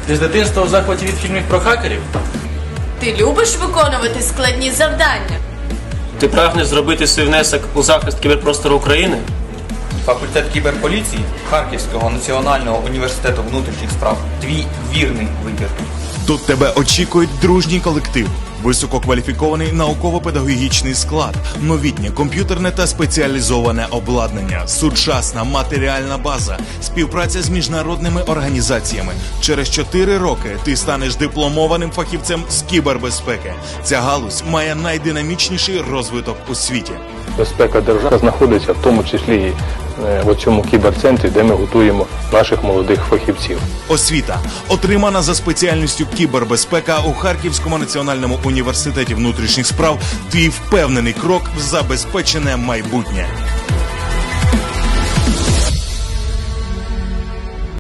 Ти з дитинства у захваті від фільмів про хакерів? Ти любиш виконувати складні завдання? Ти прагнеш зробити свій внесок у захист кіберпростору України? Факультет кіберполіції Харківського національного університету внутрішніх справ. Твій вірний вибір. Тут тебе очікують дружній колектив, висококваліфікований науково-педагогічний склад, новітнє комп'ютерне та спеціалізоване обладнання, сучасна матеріальна база, співпраця з міжнародними організаціями. Через 4 роки ти станеш дипломованим фахівцем з кібербезпеки. Ця галузь має найдинамічніший розвиток у світі. Безпека держави знаходиться в тому числі і в цьому кіберцентрі, де ми готуємо наших молодих фахівців. Освіта, отримана за спеціальністю кібербезпека у Харківському національному університеті внутрішніх справ, твій впевнений крок в забезпечене майбутнє.